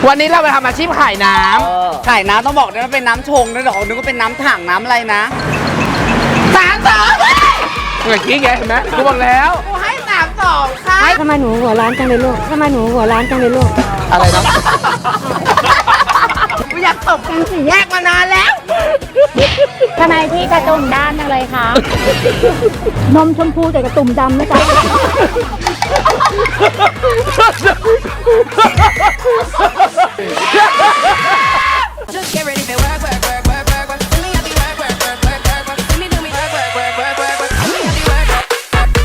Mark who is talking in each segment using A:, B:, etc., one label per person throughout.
A: วันนี้เราไปทำอาชีพขายน้ำ
B: ขายน้ำต้องบอกด้วยว่าเป็นน้ำชงนะเดี๋ยวเขานึกว่าเป็นน้ำถังน้ำอะไรนะ
A: เมื่อกี้ไงเห็นไหมกูบอกแล้ว
B: กูให้32ค่ะ
C: ทำไมหนูหัวร้านจังเลยลูกทำไมหนูหัวร้านจังเลยลูก
A: อะไรนะ
B: กูอยากตบกันสี่แยกมานานแล้ว
C: ทำไมพี่กระตุ่มด้านจังเลยคะ นมชมพูแต่กระตุ่มดำนะจ๊ะ
D: Just get ready for work, work, work, work, work, work. See me at the work, work, work, work, work, work. See me do me work, work, work, work, work, work. See me at the work, work.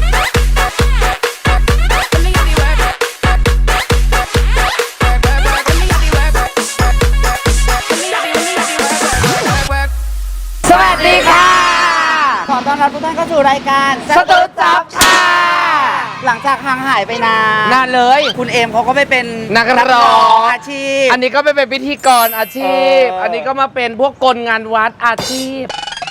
D: See me at the work, work, work, work, work. See me at the work, work. See me at the work, work, work.
B: สวัสดีค่ะ ขอต้อนรับทุกท่านเข้าสู่รายการ
A: สตูดจ็อบค่ะ
B: หลังจากห่างหายไปนาน
A: านเลย
B: คุณเอมเขาก็ไปเป็น
A: นักร้อง
B: อาชีพ
A: อันนี้ก็ไปเป็นพิธีกรอาชีพ อันนี้ก็มาเป็นพวกกลงานวัดอาชีพ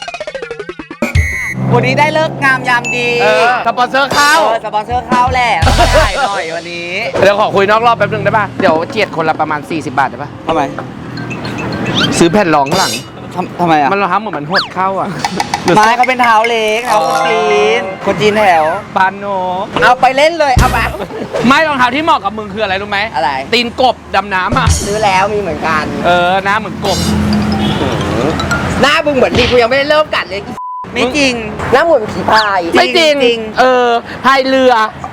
B: วันนี้ได้เลิกงามยามดี
A: สปอนเซอร์เข้า
B: สปอนเซอร์เข้าแหละต้องถ่ายหน่อยวันนี้
A: เดี๋ยวขอคุยนอกรอบแป๊บนึงได้ป่ะ เดี๋ยวเจียดคนละประมาณ40 บาทได้ป่ะ
B: ทำไม
A: ซื้อแผ่นรองข้างหลัง
B: ทำไมอ่ะ
A: มันรองเท้าเหมือนมันหดเข้าอ่ะ
B: ไม้เขาเป็นเท้าเล็กเท้าคนจีนคนจีนแถว
A: ปานโน
B: เอาไปเล่นเลยเอาไป
A: ไม่รองเท้าที่เหมาะกับมึงคืออะไรรู้ไหม
B: อะไร
A: ตีนกบดำน้ำอ่ะ
B: ซื้อแล้วมีเหมือนกัน
A: หน้าเหมือนกบ
B: หน้าบึงเหมือนดีกูยังไม่ได้เริ่มกัดเลยไม่จริงหน้าเหมือนผีพาย
A: ไม่จริง พายเรือ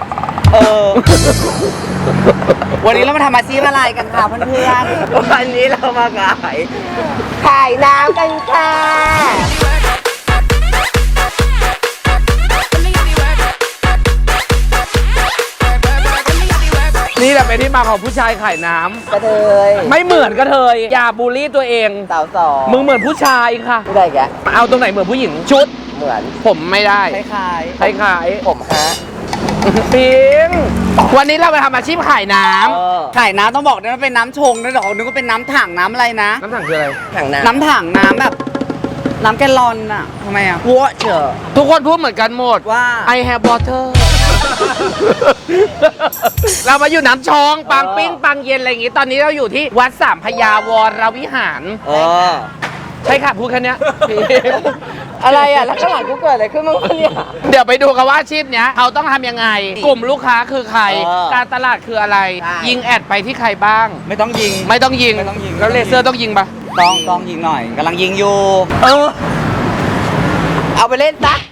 B: วันนี้เรามาทำอาชีพอะไรกันคะเพื่อนๆวันนี้เรามาขายน้ำกันค่ะ
D: See me at the work, work, work. See me at the work, work.
A: นี่แหละเป็นที่มาของผู้ชายขายน้ำ
B: กระเทย
A: ไม่เหมือนกระเทยอย่าบูลลี่ตัวเอง
B: สาวสอง
A: มึงเหมือนผู้ชายค่ะ
B: ไม่ได้แก
A: เอาตรงไหนเหมือนผู้หญิงชุด
B: เหมือน
A: ผมไม่ได้
B: คล้าย
A: คล้าย
B: ๆผมฮะ
A: ๆปิงวันนี้เราไปทำอาชีพขายน้ำ
B: ขายน้ำต้องบอกด้วยว่าเป็นน้ำชงนะเดี๋ยวเขานึกว่าเป็นน้ำถังน้ำอะไรนะ
A: น้ำถังคืออะไร
B: น้ำถังน้ำแบบ น้ำแกลลอนอะทำไมอะวัวเจอ
A: ทุกคนพูดเหมือนกันหมด
B: ว่า
A: I have water เรามาอยู่น้ำชองปังปิ้งปังเย็นอะไรอย่างงี้ ตอนนี้เราอยู่ที่วัดสามพยาวรวิหาร ใช่ค่ะพูดแค่เนี้ย
B: อะไรอะแล้วข้างหลังกูเกิดอะไรขึ้นบ้างวะเนี่ย
A: เดี๋ยวไปดูกันว่าอาชีพเนี้ยเขาต้องทำยังไง กลุ่มลูกค้าคือใคร การตลาดคืออะไร
B: ใช่
A: ยิงแอดไปที่ใครบ้าง
B: ไม่ต้องยิง
A: ไม่ต้องยิง
B: ไม่ต้องยิง
A: แล้วเลเซอร์ต้องยิงปะ
B: ต้องยิงหน่อยกำลังยิงอยู่ เอาไปเล่นซะ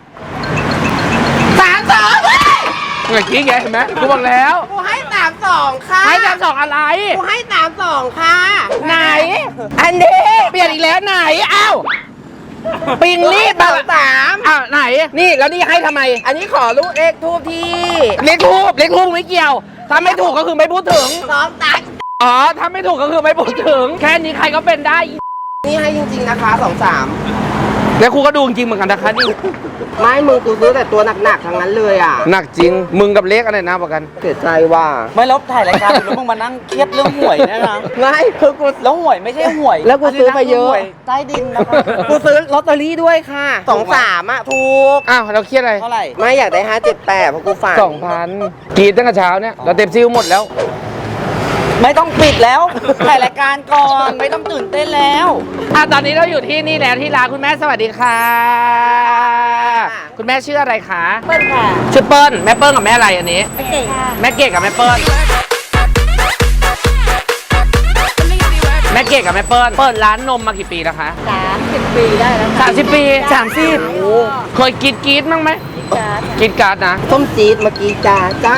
B: 32
A: เมื่อกี้ไงเห็นไหมกูบอกแล้ว
B: กูให้32ค่ะ
A: ให้32อะไร
B: กูให้32ค่ะ
A: ไหน
B: อันนี้
A: เปลี่ยนอีกแล้วไหนอ้าวปิงรีบ
B: สา
A: มา
B: มสาม
A: อ้าวไหน นี่แล้วนี่ให้ทำไม
B: อันนี้ขอลูกเลขทูบที่
A: เล็กทูบไม่เกี่ยว ถ้าไม่ถูกก็คือไม่พูดถึง
B: 2 ตัก
A: อ๋อ ถ้าไม่ถูกก็คือไม่พูดถึง แค่นี้ใครก็เป็นได้
B: นี่ให้จริงๆนะคะ23
A: แล้วครูก็ดูจริงเหมือนกันนะคะนี่
B: ไม่มึงกูซื้อแต่ตัวหนักๆทั้งนั้นเลยอ่ะ
A: หนักจริง มึงกับเล็กอะไรนะประกัน
B: เสียใจว่าไม่ลบถ่ายรายการแล้วมึงมานั่งเครียดเรื่องหวยเนี่ยนะไม่คือกูแล้วหวยไม่ใช่หวยแล้วกูซื้อไปเยอะใต้ดินนะคะกูซื้อลอตเตอรี่ด้วยค่ะ23อ่ะถูก
A: อ้าวเราเครียดอะไร
B: เท่าไหร่ไม่อยากได้578เพราะกูฝัน
A: 2,000กรีดตั้งแต่เช้าเนี่ย เราเต็มซิลหมดแล้ว
B: ไม่ต้องปิดแล้วถ่ายรายการก่อนไม่ต้องตื่นเต้นแล้ว
A: ตอนนี้เราอยู่ที่นี่แล้วที่ร้านคุณแม่สวัสดีค่ะ คุณแม่ชื่ออะไรคะ
C: เปิ้ลค่ะ
A: ชื่อเปิ้ลแม่เปิ้ลกับแม่อะไรอันนี้
C: ไม่เก่งค่ะ
A: แม่เกดกับแม่เปิ้ล แม่เกดกับแม่เปิ้ลเปิดร้านนมมากี่ปีแล้วคะ
C: 30 ปีได้แล้วค่ะ
A: 30 ปี30โอ้เคยกรีดมั้งไหม
C: จ้า
A: กินการ์ดนะ
B: ต้มจี๊ดเมื่อกี้จ้า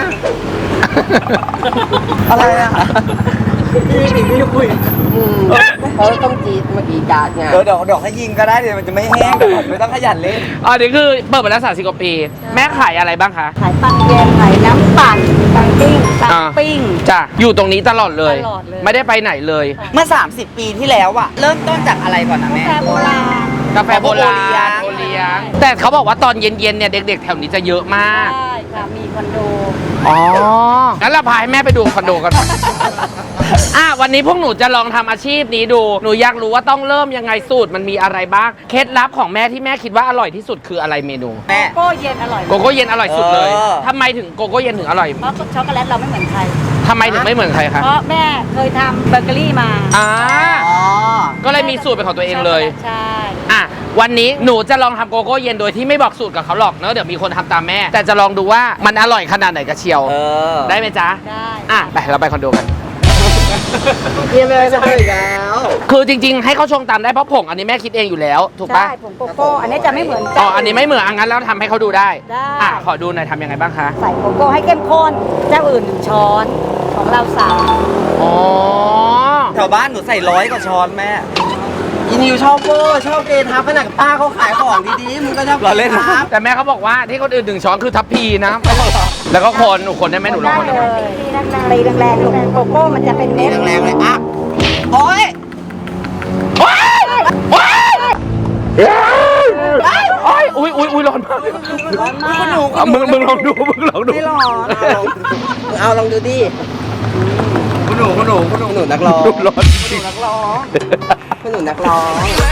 B: อะไรอ่ะพี่คุยเขาต้มจี๊ดเมื่อกี้จ้าไงเดี๋ยวให้ยิงก็ได้เดี๋ยวมันจะไม่แห้งไม่ต้องขยันเล่น
A: อ๋อนี่คือเปิดมาแล้ว30 กว่าปี แม่ขายอะไรบ้างคะ
C: ขายปังเย็นขายน้ำปั่นปังปิ้งปัง
A: อ่า
C: ปิ้ง
A: จ้ะอยู่ตรงนี้ตลอดเลย
C: ตลอดเลย
A: ไม่ได้ไปไหนเลย
B: เมื่อ 30 ปีที่แล้วอะเริ่มต้นจากอะไรก่อนนะแม่
C: แฟโบราณ
A: กาแฟโบราณ
B: โอเลี้ยง
A: แต่เขาบอกว่าตอนเย็นๆเนี่ยเด็กๆแถวนี้จะเยอะมาก
C: ใช่ค่ะมีคอนโด
A: อ๋อ งั้นเราพาให้แม่ไปดูคอนโดกันวันนี้พวกหนูจะลองทำอาชีพนี้ดู หนูอยากรู้ว่าต้องเริ่มยังไงสูตรมันมีอะไรบ้าง เคล็ดลับของแม่ที่แม่คิดว่าอร่อยที่สุดคืออะไรเมนู
B: แม่
C: โก้เย็นอร่อย
A: โกโก้เย็นอร่อยสุดเลย
B: เออ
A: ทำไมถึงโกโก้เย็นถึงอร่อย
C: เพราะช็อกโกแลตเราไม่เหมือนใคร
A: ทำไมถึงไม่เหมือนใครคะ
C: เพราะแม่เคยทำเบเกอรี่มา
A: อ่า
B: อ๋อ
A: ก็เลยมีสูตรเป็นของตัวเองเลย
C: ใช่
A: วันนี้หนูจะลองทำโกโก้เย็นโดยที่ไม่บอกสูตรกับเขาหรอกเนอะเดี๋ยวมีคนทำตามแม่ แต่จะลองดูว่ามันอร่อยขนาดไหนกันเชียว ได้ไหมจ๊ะ
C: ได้
A: ไปเราไปคอนโดกัน
B: เยี่ยมเลยจะไปอีกแล้ว
A: คือจริงๆ ให้เขาชงตามได้เพราะผงอันนี้แม่คิดเองอยู่แล้ว ถูกปะ
C: ใช่ผงโกโก้ อันนี้จะไม่เหมือน
A: อ๋ออันนี้ไม่เหมือนงั้นแล้วทำให้เขาดูได้
C: ได้
A: ขอดูหน่อยทำยังไงบ้างคะ
C: ใส่โกโก้ให้เข้มข้น เจ้าอื่น1 ช้อน ของเรา3
A: อ๋อ
B: แถวบ้านหนูใส่100 กว่าช้อนแม่อินิวชอบเวอร์ชอบเกทับขนาดป้าเขาขายของดีๆมึงก็ชอบเล่นครับ
A: แต่แม่เขาบอกว่าที่คนอื่น1 ช้อนคือทัพพีนะ แล้วก็คนหนูคนได้ไหมหนูลอง
C: ได้
A: คนได้
C: เล
A: ไหม
C: ยตีแรงๆลูกโกโก้มันจะเป็นเม็ด
B: แรงๆเลยอ่ะโอ๊ย
A: โอ้ยอุ้ยร้อนมาก
C: ร้อนมาก
A: มึงลองดูมึงลองดู
B: ไม่หรอกเอาลองดูดิคุณหนูนักร้อง
A: ร้อนจริง
B: คุณหนูนักร้อง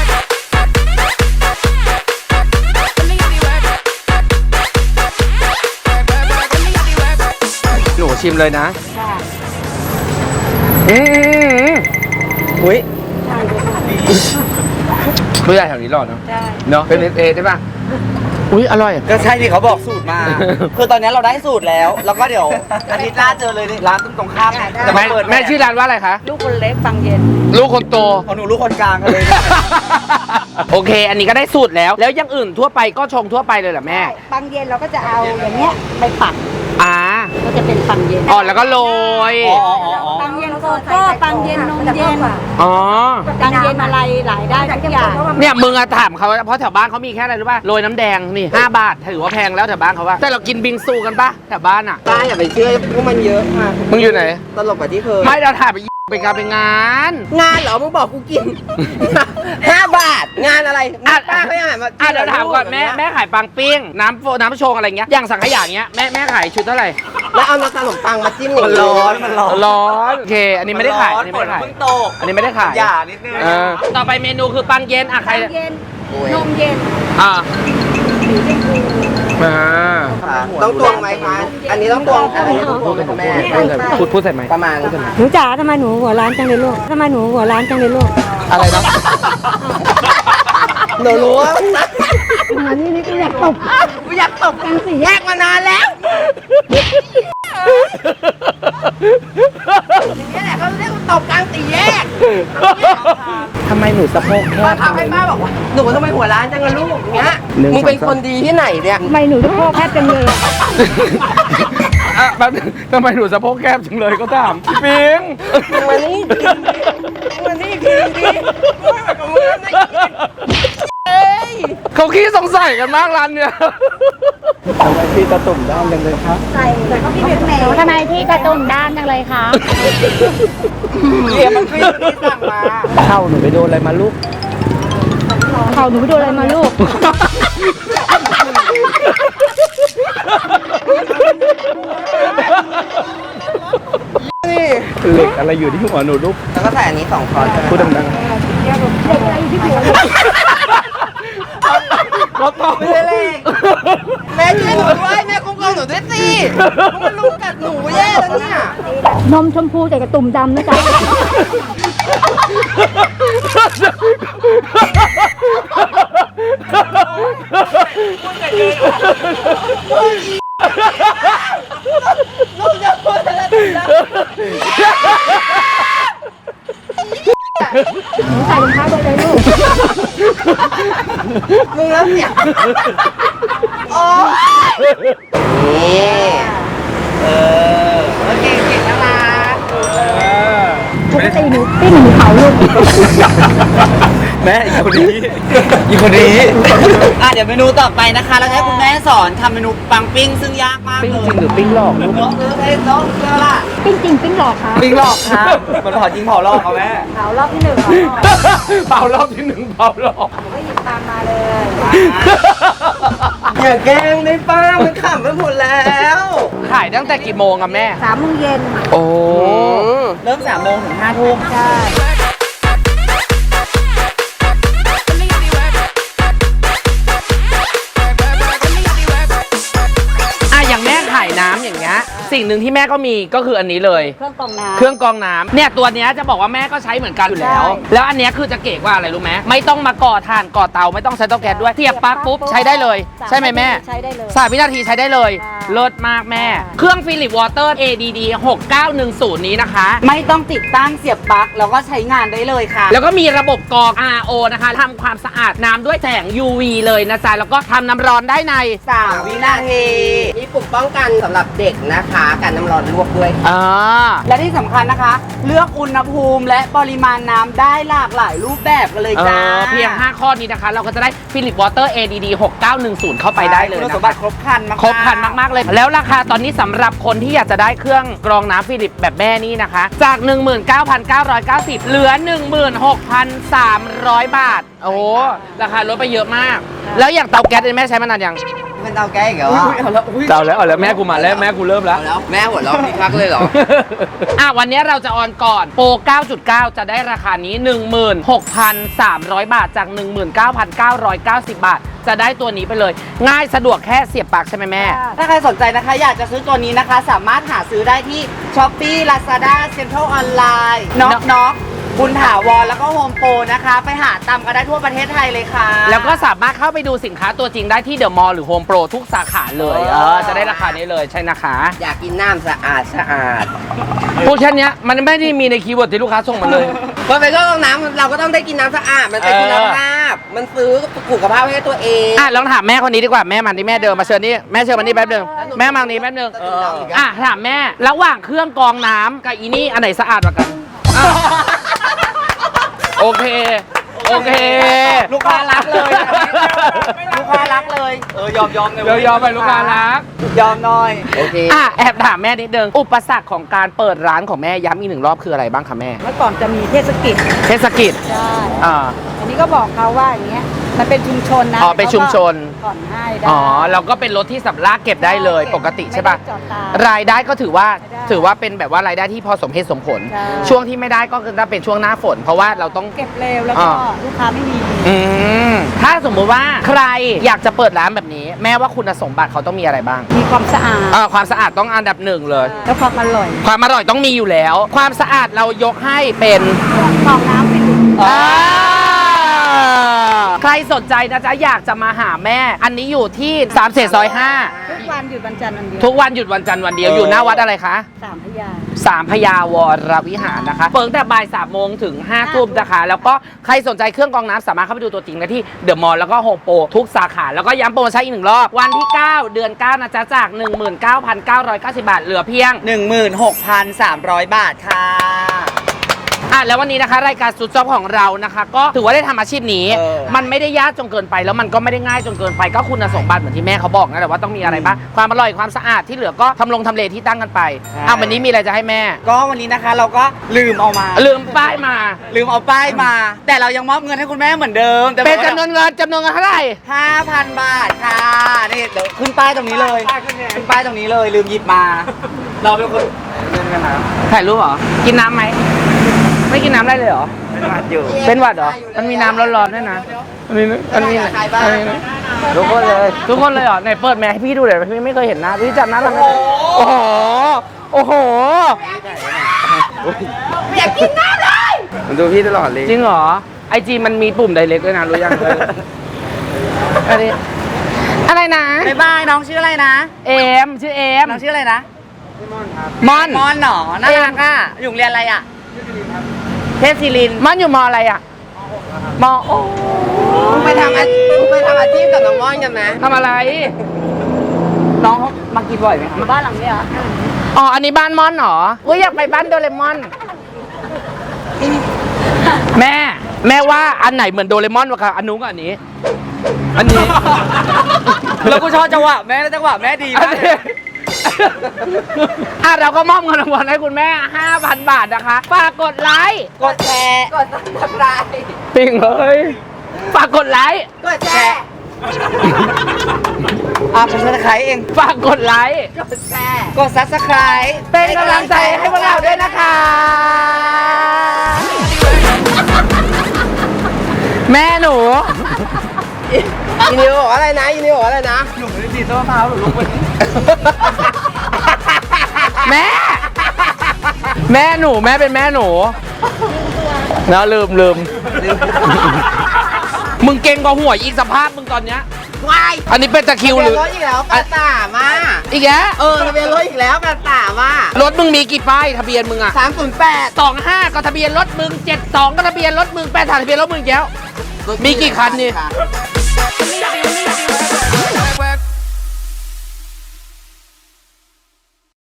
A: หนูชิมเลยนะ
C: ค่ะ
B: อุ้ย
A: ผู้ใหญ่แถวนี้หล่อเนาะ
C: ใช่
A: เนาะเป็นเอใช่ป่ะอุ้ยอร่อย
B: ก็ใช่ที่เขาบอกสูตรมา คือตอนนี้เราได้สูตรแล้ว แล้วก็เดี๋ยวอาทิตย์หน้าเจอเลยร้านตรงข้ามจะ
A: แม่
B: มาเปิด
A: แม่ชื่อร้านว่าอะไรคะ
C: ลูกคนเล็กฟังเย็น
A: ลูกคนโต
B: ของหนูลูกคนกลางกันเลย
A: โอเค อันนี้ก็ได้สูตรแล้ว แล้วอยังอื่นทั่วไปก็ชงทั่วไปเลยเหรอแม่
C: ฟังเย็นเราก็จะเอาอย่างเงี้ยไปปัก ก็จะเป็นฟังเย็น
A: อ๋อแล้วก็โรย
C: ปังเย็นโกโก้ปังเย็นนมเย็น
A: อ๋อ
C: ปังเย็นอะไรหลายได้ทุกอย่าง
A: เนี่ยมึงอะถามเขาเพราะแถวบ้านเขามีแค่อะไรรู้ป่ะโรยน้ำแดงนี่5 บาทถือว่าแพงแล้วแถวบ้านเขาว่าแต่เรากินบิงซูกันป่ะแถวบ้านอะ
B: ป้าอย่าไปเชื่อพวกมันเยอะค่ะ
A: มึงอยู่ไหน
B: ตลกกว่าที่เคย
A: ไม่เราถ่ายไปการไปงาน
B: งานเหรอ มึงบอกกูกิน 5 บาท งานอะไรป้าเขายังหันมา
A: เดี๋ยวถามก่อนแม่ขายปังปิ้งน้ำโชงอะไรเงี้ยอย่างสังขยาเงี้ยแม่ขายชุดเท่าไหร่
B: แล้วเอาน้ำตาลขนมปังมาจิ้มมันร้อนมันร้อน
A: ร้อนโอเค อันนี้ไม่ได้ขายอันนี้ไม่ได้ขาย
B: เพิ่งตก
A: อันนี้ไม่ได้ขาย
B: อย่านิดนึง
A: ต่อไปเมนูคือปังเย็นอะใคร
C: ปังเย็นนมเย็น
A: อ่า
C: สีชมพู
B: ต้องตวงไหมคะ อันนี้ต้องตวงอะไรต้องตวงไหมคะแม่
A: พูดใส่ไหม
B: ประมาณ
C: หนูจ๋าทำไมหนูหัวร้านจังเลยลูกทำไมหนูหัวร้านจังเลยลูก
A: อะไรนะ
B: หนูรู้ว่า
C: อันนี้นี่ก็อยากตบ
B: กูอยากตบกันสิแยกมานานแล้วนี่แหละเขาเรียกว่าตบกลางสี่แยก
A: ทำไมหนูสะโพกแค
B: ป้า
A: บ
B: ทำให้ป้าบอกว่าหนูทำไมหัวร้านจังเลยลูกอย่างเงี้ยมึงเป็นคนดีที่ไหนเนี่ย
C: ทำไมหนูจะโคกแคบจังเลยอะ
A: อ่ะแป๊บนึงทำไมหนูสะโพกแคบจังเลยก็ถามปิง
B: มานี่มานี่กินดิไม่แบบกับมึงไม่กินเอ้ย
A: เขาขี้สงสัยกันมากร้านเนี่ย
B: ทำไมพี่ตะตุ่มด้ามจังเลยครับ
C: ใส่เขาพี่เป็นแมวทำไมที่กระตุ้มด้านจังเลยคะ
B: เดี๋ยวมันขึ้นที่สั่งมา
A: เข้าหนูไปโดนอะไรมาลูก
C: เขาหนูไปโดนอะไรมาลูก
B: นี่
A: เหล็กอะไรอยู่ที่หัวหนูลูก
B: แล้วก็ใส่อันนี้2 ช้อนใช่ไหม
A: พูดดังๆก็ต้อง
B: ไม่ได้เลขแม่ช่วยหนูด้วยแม่คุ้มครองหนูด้วยสิเพราะมันรู้กัดหนูแย่แล้วเนี่ย
C: นมชมพูแต่กระตุ่มดำนะจ๊ะ
B: ลูกจะพูดอะไรนะ
C: ใส่รองเท้าไปเลยลูก
B: มึงแล้วเสียโอ้นี่โอเคเก่งนะมา
C: ปกติหนูปิ้งหนูเผาลูก
A: แม่อีกคนนี้อีกคนนี้
B: เดี๋ยวเมนูต่อไปนะคะเราจะให้คุณแม่สอนทำเมนูปังปิ้งซึ่งยากมาก
A: ปิ้ง
B: เลย
A: จริงหรือปิ้งหลอกลูก
B: น้องเอ้ยน้องเชื่อล่ะ
C: ปิ้งจริงปิ้งหลอกค่ะ
B: ปิ้งหลอกค่ะมันเผาจริงเผาหลอกเขาแม่
C: เผารอบที่1เหรอ
A: เผารอบที่1เผาหลอก
C: ก็หยิบตามมาเลย
B: อย่าแกล้งได้ป้ามันขำไปหมดแล้ว
A: ขายตั้งแต่กี่โมงอะแม่
C: 3 โมงเย็น
A: โอ้
B: เริ่ม3 โมงถึง5 ทุ่ม
C: ใช่
A: อย่างแม่ขายน้ำอย่างเงี้ยสิ่งหนึ่งที่แม่ก็มีก็คืออันนี้เลย
C: เครื่องกรองน้ำ
A: เครื่องกรองน้ำเนี่ยตัวเนี้ยจะบอกว่าแม่ก็ใช้เหมือนกันอยู่แล้ว
C: ใช่
A: แล้วอันเนี้ยคือจะเก๋กว่าอะไรรู้ไหมไม่ต้องมาก่อถ่านก่อเตาไม่ต้องใช้เตาแก๊สด้วยเสียบปลั๊กปุ๊บใช้ได้เลย ใช่ไหมแม่
C: ใช้ได้เลย
A: 3 วินาทีใช้ได้เลย
C: ค่ะ
A: เลิศมากแม่
C: ค่ะ
A: เครื่องฟิลิปวอเตอร์ ADD 6910 นี้นะคะ
B: ไม่ต้องติดตั้งเสียบปลั๊กแล้วก็ใช้งานได้เลยค่ะ
A: แล้วก็มีระบบกรอง RO นะคะทำความสะอาดน้ำด้วยแสง UV เลยนะจ๊ะแล้วก็ทำน้ำร้อนได้ใน
B: 3 วินาที
E: มีปุ่มป้องกันสำหรับเด็กนะคะกันน้ำร้อนลวกด้วยค่ะ
A: อ่า
B: และที่สำคัญนะคะ เลือกอุณหภูมิและปริมาณน้ำได้หลากหลายรูปแบบกันเลยจ้า
A: เพียง 5 ข้อนี้นะคะ เราก็จะได้ฟิลิปวอเตอร์ ADD 6910 เข้าไปได้เลย
B: คุณ
A: นะ
B: สมบั
A: คะ
B: ติครบครันมากๆ
A: ครบครันมาก ๆ เลย แล้วราคาตอนนี้สำหรับคนที่อยากจะได้เครื่องกรองน้ำฟิลิปแบบแม่นี่นะคะ จาก 19,990 เหลือ 16,300 บาท โอ้โหราคาลดไปเยอะมาก แล้วอย่างเตาแก๊สเนี่ยแม่ใช้มานานยัง
E: เป็นเตาแก๊สอีกเหรอ
B: อุ๊ยเอาแล้วอุ๊ย
A: เตาแล้วแม่กูมาแล้วแม่กูเริ่มแล้ว
E: เอาแล้วแม่หัวเราะพี่คักเลยเหรอ
A: วันนี้เราจะออนก่อนโปร 9.9 จะได้ราคานี้ 16,300 บาทจาก 19,990 บาท จะได้ตัวนี้ไปเลย ง่ายสะดวกแค่เสียบปลั๊กใช่ไหมแม่
B: ถ้าใครสนใจนะคะ อยากจะซื้อตัวนี้นะคะ สามารถหาซื้อได้ที่ Shopee Lazada Central Online น็อกบุญถาวรแล้วก็โฮมโปรนะคะ ไปหาตามกันได้ทั่วประเทศไทยเลยค่ะ
A: แล้วก็สามารถเข้าไปดูสินค้าตัวจริงได้ที่เดอะมอลล์หรือโฮมโปรทุกสาขาเลยจะได้ราคานี้เลยใช่นะคะ
E: อยากกินน้ำสะอาดสะอาด
A: พูดแค่เนี้ยมันไม่ได้มีในคีย์เวิร์ดที่ลูกค้าส่งมาเลย
E: พอไปก็ต้องน้ำเราก็ต้องได้กินน้ำสะอาด มันเป็นคุณภาพ มันซื้อสุขภาพให้ตัวเอง
A: ลองถามแม่คนนี้ดีกว่าแม่มันที่แม่เดินมาเชิญนี่แม่เชิญมันนี่แป๊บนึงแม่มานี่แป๊บนึงถามแม่ระหว่างเครื่องกรองน้ำกับอีนี่อันไหนสะอาดกว่ากันโอเค
B: ลูกค้ารักเลยลูกค้ารักเลยยอมเลย
A: เดี๋ยวยอมไปลูกค้ารัก
B: ยอมหน่อย
E: โอเค
A: แอบถามแม่นิดนึงอุปสรรคของการเปิดร้านของแม่ย้ำอีก1 รอบคืออะไรบ้างคะแม่
C: เมื่อก่อนจะมีเทศกิจ
A: เทศกิจ
C: ใช่
A: อ่า
C: อันนี้ก็บอกเขาว่าอย่างเงี้ย มันเป็นชุมชนนะ
A: อ๋อเป็นชุมชน
C: เขาก็ผ่อนให้ได้
A: เราก็เป็นรถที่สำลากเก็บได้เลยปกติใช่ป่ะ
C: ไม่ได้จอดตาม
A: รายได้ก็ถือว่า
C: ไม่ได้
A: เป็นแบบว่ารายได้ที่พอสมเหตุสมผล
C: ใช่
A: ช่วงที่ไม่ได้ก็คือถ้าเป็นช่วงหน้าฝน เพราะว่าเราต้อง
C: เก็บเร็วแล้วก็ลูกค้าไม่มี
A: ถ้าสมมุติว่าใครอยากจะเปิดร้านแบบนี้ แม่ว่าคุณสมบัติเขาต้องมีอะไรบ้าง
C: มีความสะอาด
A: ความสะอาดต้องอันดับ 1เลย
C: แล้วความอร่อย
A: ความอร่อยต้องมีอยู่แล้ว ความสะอาดเรายกให้เป็น
C: กรองน้ำฟิลิป
A: ใครสนใจนะจ๊ะอยากจะมาหาแม่ อันนี้อยู่ที่3 เศษซอย
C: ทุกวันหยุดวันจันทร์วันเดียว
A: 5ทุกวันหยุดวันจันทร์วันเดียวอยู่หน้าวัดอะไรคะ
C: 3 พยา
A: 3 พญาวรวิหารนะคะเปิดตั้งแต่บ่าย3 โมงถึง5 ทุ่มนะคะ แล้วก็ใครสนใจเครื่องกรองน้ำสามารถเข้าไปดูตัวจริงได้ที่เดอะมอลล์แล้วก็โฮมโปรทุกสาขา แล้วก็ย้ำโปรโมชั่นอีก1 รอบ วันที่ 9 เดือน 9 นะจ๊ะจาก 19,990 บาท เหลือเพียง
B: 16,300 บาทค่ะ
A: แล้ววันนี้นะคะรายการสุดจ็อบของเรานะคะ ก็ถือว่าได้ทำอาชีพนี้ มันไม่ได้ยากจนเกินไปแล้วมันก็ไม่ได้ง่ายจนเกินไปก็คุณสมบัติเหมือนที่แม่เขาบอกนะแต่ว่าต้องมีอะไรบ้างความอร่อยความสะอาดที่เหลือก็ทำเลที่ตั้งกันไปวันนี้มีอะไรจะให้แม่
B: ก็วันนี้นะคะเราก็ลืมเอามา
A: ลืมป้ายมา
B: ลืมเอาป้ายมา แต่เรายังมอบเงินให้คุณแม่เหมือนเดิมแต่
A: เป็นจำนวนเงินเท่าไหร่
B: 5,000 บาทค่ะนี่เดี๋ยวขึ้นป้ายตรงนี้เลยขึ้นป้ายตรงนี้เลยลืมหยิบมา เราเป็นคนเล่นกันนะ
A: ถ่ายรูปเหรอกินน้ำไหมไม่กินน้ำได้เลยเหรอ
B: เป็นหวัดอยู่
A: เป็นหวัดเหรอมันมีน้ำร้อนๆด้วยนะมันมี
E: ใครบ้าง
A: ทุกคนเลยเหรอไหนเปิดแมสให้พี่ดูหน่อยพี่ไม่เคยเห็นหน้าพี่จำหน้าเราไม่ได้โอ้โห
E: อยากกินน้ำเลย
B: มันดูพี่ตลอดเลย
A: จริงเหรอไอจีมันมีปุ่มไดเรกด้วยนะรู้ยังอะไรนะ
B: บ๊ายบายน้องชื่ออะไรนะ
A: ชื่อเอม
B: น้องชื่ออะไรนะ
A: มอน
B: มอนหนอน่ารักอ่ะอยู่โรงเรียนอะไรอ่ะเทพศิรินทร์
A: มอนอยู่มออะไรอ่ะมอโอ้
E: มึงไปทำอาชีพกับน้องม่อนกันนะ
A: ทำอะไร
B: น้องเขามากินบ่อยไหมคะ
C: บ้านหลังนี้เหรอ
A: อันนี้บ้านมอนเหรออยากไปบ้านโดเรมอนแม่ว่าอันไหนเหมือนโดเรมอนวะคะอันนู้นกับอันนี้
B: แล้วกูชอบจังหวะแม่แล้วจังหวะแม่ดีมากเลย
A: เราก็มอบเงินรางวัลให้คุณแม่ 5,000 บาทนะคะฝากกดไลค์
B: กดแชร์
E: กดซับสไครต์
A: ปิ่งเลยฝากกดไลค์
E: กดแชร์
B: ผมจะขายเอง
A: ฝากกดไลค์
E: กดแชร์
B: กด subscribe
A: เป็นกำลังใจให้พวกเราด้วยนะคะ แม่หนู
E: อีนิวบอกว่าอะไรนะอีนิวบอกว่าอะไรนะ
B: หนูไม่ได้ดีดต้นมะพร้าวหรอกลูก
A: แม่ แม่หนูแม่เป็นแม่หนูแล้วลืมมึงเก่งกว่าหัวยอีกสภาพมึงตอนเนี้ย
E: วาย
A: อันนี้เป็นตะคริว
E: ทะ
A: ห
E: เบีย
A: รื
E: น
A: อ
E: รถอีกแล้ว83อ่ะ
A: อีกแล้ว
E: ทะเบียนรถอีกแล้ว83อ่ะ
A: รถมึงมีกี่ป้ายทะเบียนมึงอะ
E: 308
A: 25ก็ทะเบียนรถมึง72ก็ทะเบียนรถมึง83ทะเบียนรถมึงอีกแล้ว มีกี่คันนี่
E: ค่ะ
D: Let me have you, let me have you.